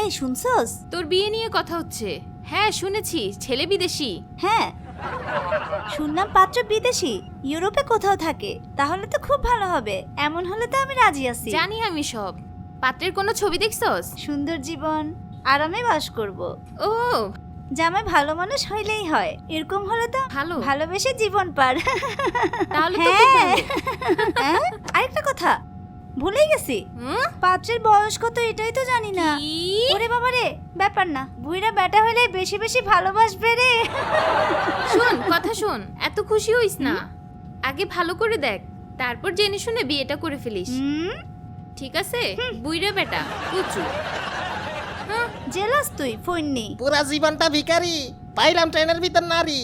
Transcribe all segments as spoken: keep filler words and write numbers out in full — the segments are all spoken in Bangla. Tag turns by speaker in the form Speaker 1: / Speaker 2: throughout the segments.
Speaker 1: এই শুনছস?
Speaker 2: তোর বিয়ে নিয়ে কথা হচ্ছে। হ্যাঁ শুনেছি, ছেলে বিদেশি।
Speaker 1: হ্যাঁ শুনলাম পাত্র বিদেশি, ইউরোপে কোথাও থাকে। তাহলে তো খুব ভালো হবে। এমন হলে তো আমি রাজি আছি।
Speaker 2: জানি আমি সব। পাত্রের কোনো ছবি দেখছস?
Speaker 1: সুন্দর জীবন, আরামে বাস করব।
Speaker 2: ও
Speaker 1: জামাই ভালো মানুষ হইলেই হয়। এরকম হলে তো
Speaker 2: ভালো।
Speaker 1: ভালোবেসে জীবন পার।
Speaker 2: তাহলে তো খুব
Speaker 1: হ্যাঁ।
Speaker 2: ভালো।
Speaker 1: হ্যাঁ? আরেকটা কথা ভুলেই গেছি,
Speaker 2: হুম?
Speaker 1: পাত্রের বয়স কত এটাই তো জানি না।
Speaker 2: কি?
Speaker 1: ওরে বাবা রে, ব্যাপার না, বুইরা বেটা হলে বেশি বেশি ভালোবাসবে রে।
Speaker 2: শোন কথা শোন, এত খুশি হইস না। আগে ভালো করে দেখ, তারপর জেনে শুনে বিয়েটা করে ফেলিস।
Speaker 1: হুম,
Speaker 2: ঠিক আছে? বুইরা বেটা কুচু। হ্যাঁ,
Speaker 1: জেলাস তুই ফইন্নি।
Speaker 3: পুরা জীবনটা ভিখারি, পাইলাম ট্রেনের ভিতর নারী।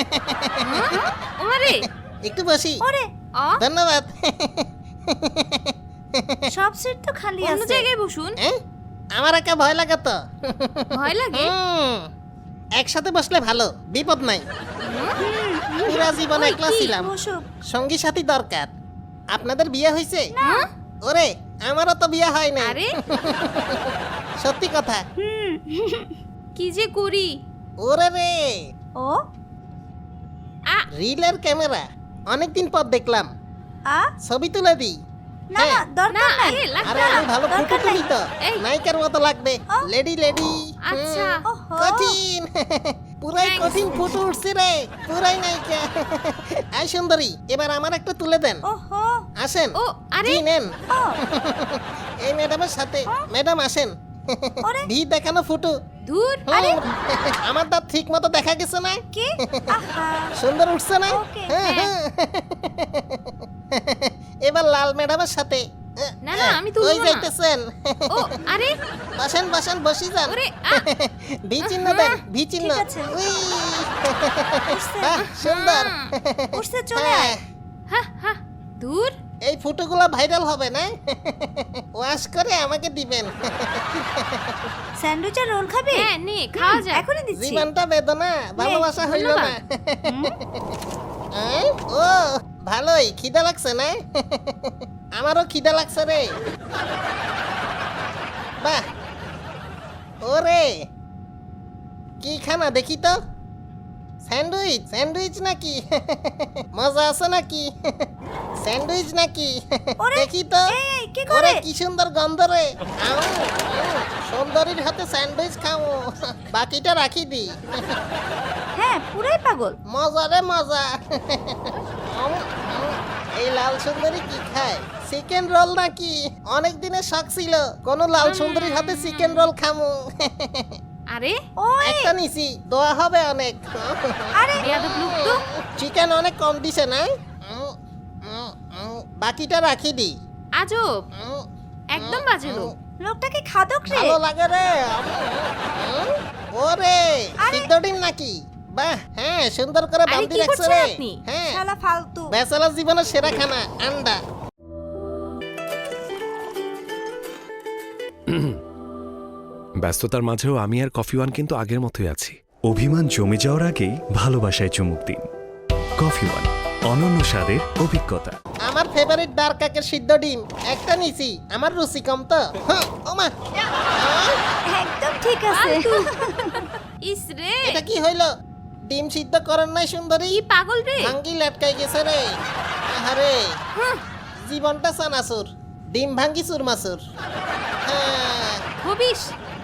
Speaker 2: ওমারে
Speaker 3: একটু বসি।
Speaker 1: ওরে
Speaker 2: অ
Speaker 3: ধন্যবাদ।
Speaker 1: সব সিট তো খালি
Speaker 2: অন্য
Speaker 1: আছে।
Speaker 2: জায়গায় বসুন।
Speaker 3: হ্যাঁ? আমার একা ভয় লাগে তো।
Speaker 2: ভয় লাগে?
Speaker 3: হুম, একসাথে বসলে ভালো, বিপদ নাই। পুরা জীবন
Speaker 2: ওই,
Speaker 3: একলা
Speaker 2: কি?
Speaker 3: ছিলাম,
Speaker 1: বসুক।
Speaker 3: সঙ্গী সাথী দরকার। আপনাদের বিয়ে হয়েছে?
Speaker 2: হ্যাঁ?
Speaker 3: ওরে আমারও তো বিয়ে হয় না।
Speaker 2: আরে
Speaker 3: সত্যি কথা।
Speaker 1: হুম,
Speaker 2: কি যে করি।
Speaker 3: ওরে রে,
Speaker 1: ও
Speaker 2: আ
Speaker 3: রিলের ক্যামেরা অনেকদিন পর দেখলাম।
Speaker 1: আ
Speaker 3: ছবি তুলে দিই।
Speaker 1: না না
Speaker 3: হ্যাঁ।
Speaker 2: না
Speaker 1: দরকার নাই।
Speaker 2: আরে
Speaker 3: আরে
Speaker 2: লাগবে
Speaker 3: আমি ভালো ফটো
Speaker 1: দরকার নাই।
Speaker 3: তুলি তো,
Speaker 2: এই।
Speaker 3: নায়িকার মতো লাগবে।
Speaker 1: ও।
Speaker 3: Lady lady.
Speaker 2: আচ্ছা।
Speaker 1: ওহো।
Speaker 3: কঠিন। পুরাই
Speaker 2: Thanks.
Speaker 3: কঠিন ফটো উঠছে রে, পুরাই নায়িকা। আই সুন্দরী, এবার আমার একটা তুলে দেন।
Speaker 1: ওহো
Speaker 3: আসেন।
Speaker 2: ও আরে
Speaker 3: জি নেন।
Speaker 1: ও
Speaker 3: এই ম্যাডামের সাথে। ম্যাডাম আসেন।
Speaker 1: ওরে।
Speaker 3: ভি দেখানো ফটো।
Speaker 2: ধুর।
Speaker 3: হুম, আমার দাঁত ঠিক মতো দেখা গেছে না?
Speaker 1: কি আহা
Speaker 3: সুন্দর উঠছে না?
Speaker 1: ওকে,
Speaker 3: হ্যাঁ,
Speaker 2: হ্যাঁ।
Speaker 3: হ্যাঁ। এবার লাল ম্যাডামের সাথে।
Speaker 2: না, না, আমি তুলবো
Speaker 3: ওই
Speaker 2: না।
Speaker 3: যাইতেছেন।
Speaker 2: ও আরে
Speaker 3: বসেন বসেন, বসি যান।
Speaker 2: ওরে আ
Speaker 3: ভি চিহ্ন দেন, ভি চিহ্ন।
Speaker 1: ঠিক আছে।
Speaker 3: উই।
Speaker 1: উঠছে।
Speaker 3: বাহ, সুন্দর।
Speaker 1: উঠছে, চলে
Speaker 3: হ্যাঁ,
Speaker 1: আয়।
Speaker 2: হা হা ধুর।
Speaker 3: এই ফটোগুলো ভাইরাল হবে না? ওয়াশ করে আমাকে দিবেন।
Speaker 1: স্যান্ডউইচের রোল খাবি?
Speaker 2: হ্যাঁ নে খাওয়া যায়।
Speaker 1: এখনই দিচ্ছি।
Speaker 3: জীবনটা বেদনা, ভালোবাসা হইল না।
Speaker 2: ধন্যবাদ।
Speaker 1: হুম,
Speaker 3: হ্যাঁ? ও ভালোই, খিদা লাগছে না? আমারও খিদা লাগছে রে। বাহ, ওরে কি খানা দেখি তো। স্যান্ডউইচ, স্যান্ডউইচ নাকি? মজা আছে নাকি? স্যান্ডউইচ নাকি?
Speaker 1: ওরে,
Speaker 3: দেখি তো।
Speaker 1: এই, এই, কি
Speaker 3: ওরে
Speaker 1: করে?
Speaker 3: কি সুন্দর গন্ধ রে। আউ, আউ, সুন্দরীর হাতে স্যান্ডউইচ খাও, বাকিটা রাখি দি।
Speaker 1: হ্যাঁ পুরাই পাগল।
Speaker 3: মজা রে মজা। উম, উম, এই লাল সুন্দরী কি খায়? চিকেন রোল নাকি? অনেক দিনের শখ ছিল কোন লাল সুন্দরীর হাতে চিকেন রোল খামু।
Speaker 2: আরে
Speaker 1: ওই
Speaker 3: একটা নিছি, দোয়া হবে অনেক।
Speaker 1: আরে
Speaker 2: বেয়াদব লোক তো।
Speaker 3: চিকেন অনেক কম দিছে না? উম, উম, উম, বাকিটা রাখি দি।
Speaker 2: আজব,
Speaker 3: উম,
Speaker 2: একদম বাজে লোক।
Speaker 1: লোকটাকে খাদক রে।
Speaker 3: ভালো লাগে রে। উম, ওরে
Speaker 1: আরে।
Speaker 3: সিদ্ধ ডিম নাকি? বাহ, হ্যাঁ সুন্দর করে
Speaker 2: আরে,
Speaker 3: বান্ধি
Speaker 2: কি
Speaker 3: রাখছে
Speaker 2: করছেন
Speaker 3: রে।
Speaker 2: আপনি?
Speaker 3: হ্যাঁ,
Speaker 1: শালা ফালতু।
Speaker 3: ব্যাচেলার জীবনের সেরা খানা আন্ডা।
Speaker 4: ব্যস্ততার মাঝেও আমি আর কফি ওয়ান কিন্তু আগের মতোই আছি।
Speaker 5: অভিমান জমে যাওয়ার আগেই ভালোবাসায় চুমুক দিন। কফি ওয়ান, অনন্য স্বাদের অভিজ্ঞতা।
Speaker 3: আমার ফেভারিট ডার্ক কাকের সিদ্ধ ডিম একটা নিছি, আমার রুচি কম তো। হ্যাঁ, ওমা
Speaker 1: একদম ঠিক আছে।
Speaker 2: ফালতু। ইস রে
Speaker 3: এটা কি হইলো? ডিম সিদ্ধ করেন নাই সুন্দরী?
Speaker 2: কি পাগল রে।
Speaker 3: ভাঙ্গি লটকাই গেছে রে। আরে
Speaker 2: হুঁ,
Speaker 3: জীবনটা চানাচুর, ডিম ভাঙ্গি চুরমাচুর। হ্যাঁ,
Speaker 2: হবিস।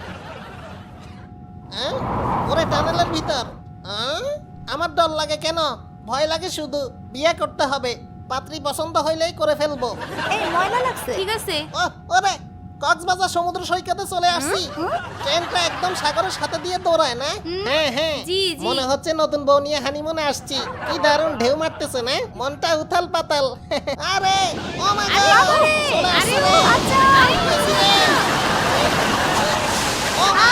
Speaker 3: হ্যাঁ? ওরে টানেলের ভিতর। হ্যাঁ? আমার ডর লাগে কেন? ভয় লাগে শুধু। বিয়ে করতে হবে, পাত্রী পছন্দ হইলেই করে ফেলবো।
Speaker 1: এই ময়লা লাগছে।
Speaker 2: ঠিক আছে।
Speaker 3: ও ওরে কক্সবাজার সমুদ্র সৈকতে চলে আসছি। ট্রেনটা একদম সাগরের সাথে দিয়ে দৌড়ায় না? হ্যাঁ হ্যাঁ,
Speaker 2: জি, জি।
Speaker 3: মনে হচ্ছে নতুন বউ নিয়ে হানিমুনে আসছি। কি দারুণ ঢেউ মারতেছে না? মনটা উথাল পাতাল। আরে ও মাই গড,
Speaker 2: বাবারে,
Speaker 3: চলে আসছে
Speaker 2: আরে,
Speaker 3: রে।
Speaker 1: আচ্ছা।
Speaker 3: আসছে রে। ও মা!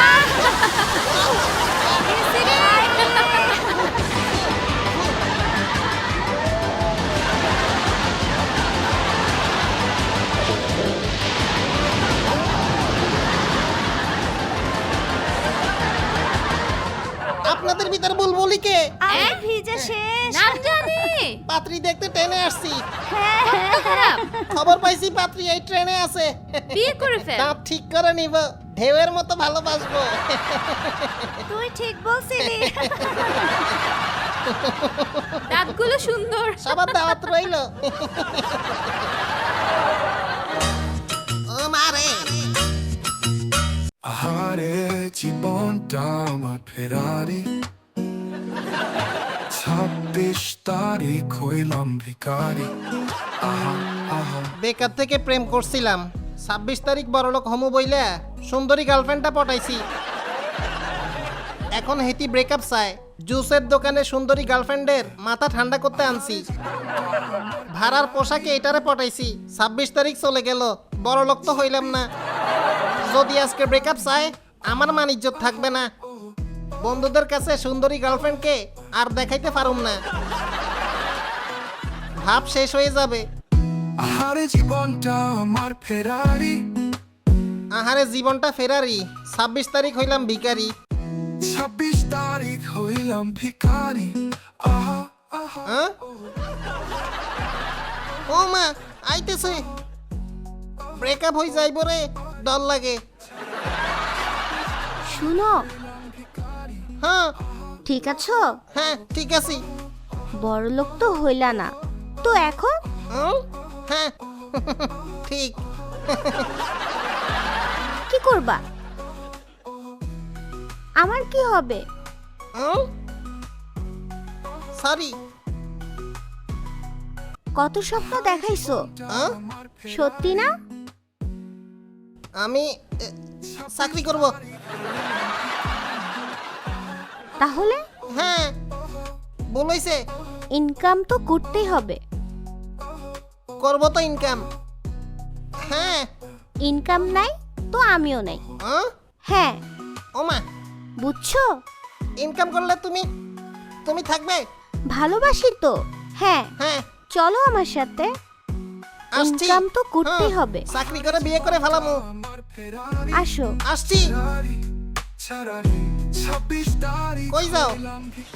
Speaker 3: আপনাদের ভিতর বুলবুলি কে?
Speaker 1: আমি ভিজে শেষ।
Speaker 2: নাম জানি।
Speaker 3: পাত্রী দেখতে ট্রেনে আসছি।
Speaker 1: হ্যাঁ, হ্যাঁ,
Speaker 2: খারাপ।
Speaker 3: খবর পাইছি পাত্রী এই ট্রেনে আছে।
Speaker 2: বিয়ে করে ফেল।
Speaker 3: দাঁত ঠিক করে নিব, ঢেউয়ের মতো ভালোবাসবো।
Speaker 1: তুই ঠিক বলছিলি।
Speaker 2: দাঁতগুলো সুন্দর।
Speaker 3: সবার দাওয়াত রইল। ও মারে
Speaker 6: আহারে জীবনটা আমার ফেরারি, ছাব্বিশ তারিখ হইলাম ভিখারি। আহা আহা
Speaker 3: বেকার থেকে প্রেম করছিলাম, ছাব্বিশ তারিখ বড়লোক হমু বইলা সুন্দরী গার্লফ্রেন্ডটা পটাইছি। এখন হেতি ব্রেকআপ চায়। জুসের দোকানে সুন্দরী গার্লফ্রেন্ডের মাথা ঠান্ডা করতে আনছি। ভাড়ার পোশাকে এটারে পটাইছি। ছাব্বিশ তারিখ চলে গেল, বড়লোক তো হইলাম না। যদি আজকে ব্রেকআপ চায়, আমার মান ইজ্জত থাকবে না। বন্ধুদের কাছে সুন্দরী গার্লফ্রেন্ডকে আর দেখাইতে পারুম না, ভাব শেষ হয়ে যাবে।
Speaker 6: আহারে জীবনটা আমার ফেরারি,
Speaker 3: আহারে জীবনটা ফেরারি, ছাব্বিশ তারিখ হইলাম ভিখারি।
Speaker 6: ছাব্বিশ তারিখ হইলাম ভিখারি। আহা আহা
Speaker 3: হ্যাঁ? ও মা আইতেছে, ব্রেকআপ হয়ে যাইব রে, ডর লাগে।
Speaker 1: শুনো,
Speaker 3: হ্যাঁ
Speaker 1: ঠিক আছো?
Speaker 3: হ্যাঁ ঠিক আছি।
Speaker 1: বড় লোক তো হইলা না, তো এখন
Speaker 3: হুম? হ্যাঁ ঠিক।
Speaker 1: কি করবা? আমার কি হবে?
Speaker 3: সরি।
Speaker 1: কত স্বপ্ন দেখাইছো, সত্যি না?
Speaker 3: আমি এ, চাকরি করব।
Speaker 1: তাহলে
Speaker 3: হ্যাঁ বলেছে,
Speaker 1: ইনকাম তো করতেই হবে।
Speaker 3: করব তো ইনকাম। হ্যাঁ।
Speaker 1: ইনকাম নাই তো আমিও নাই।
Speaker 3: হ্যাঁ?
Speaker 1: হ্যাঁ,
Speaker 3: ও মা,
Speaker 1: বুঝছো?
Speaker 3: ইনকাম করলে তুমি তুমি থাকবে?
Speaker 1: ভালোবাসি তো। হ্যাঁ,
Speaker 3: হ্যাঁ
Speaker 1: চলো আমার সাথে।
Speaker 3: আসছি।
Speaker 1: ইনকাম তো করতেই
Speaker 3: হ্যাঁ,
Speaker 1: হবে।
Speaker 3: চাকরি করে বিয়ে করে ফেলামু।
Speaker 1: আসো।
Speaker 3: আসছি।
Speaker 6: ছাড়ারি ছাব্বিশ তারিখ
Speaker 3: কই যাও?
Speaker 6: হইলাম ভিখারি।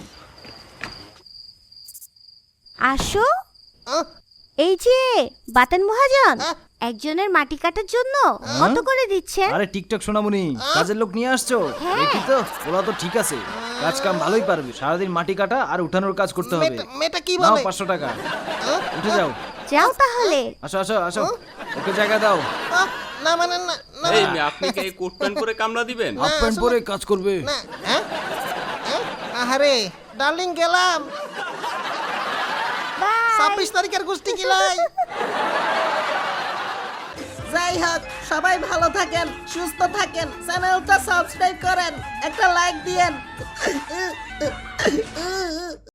Speaker 1: আসো।
Speaker 3: আহ,
Speaker 1: এই যে বাতেন মহাজন,
Speaker 3: আহ।
Speaker 1: একজনের মাটি কাটার জন্য কত করে দিচ্ছেন?
Speaker 7: আরে টিকটক সোনামণি, কাজের লোক নিয়ে আসছো?
Speaker 1: হ্যাঁ।
Speaker 7: দেখি তো, ওরা তো ঠিক আছে, কাজ কাম ভালোই পারবে। সারাদিন মাটি কাটা আর উঠানোর কাজ করতে হবে।
Speaker 3: মেয়েটা- মেয়েটা কি
Speaker 7: নাও
Speaker 3: বলে?
Speaker 7: পাঁচশো টাকা,
Speaker 3: আহ,
Speaker 7: উঠে যাও।
Speaker 1: যাও তাহলে।
Speaker 7: আসো আসো আসো, ওকে জায়গা দাও।
Speaker 3: আহ, না মানে না না
Speaker 8: এই মেয়ে, আপনি কি এই কোট প্যান্ট পরে কামলা দিবেন?
Speaker 7: হাফ প্যান্ট
Speaker 3: আসলে-
Speaker 7: পরে কাজ করবে।
Speaker 3: না। হ্যাঁ? হ্যাঁ? আহারে ডার্লিং গেলাম। ছাব্বিশ তারিখের গোষ্ঠী কিলাই। যাই হোক, সবাই ভালো থাকেন, সুস্থ থাকেন, চ্যানেলটা সাবস্ক্রাইব করেন, একটা লাইক দিয়েন।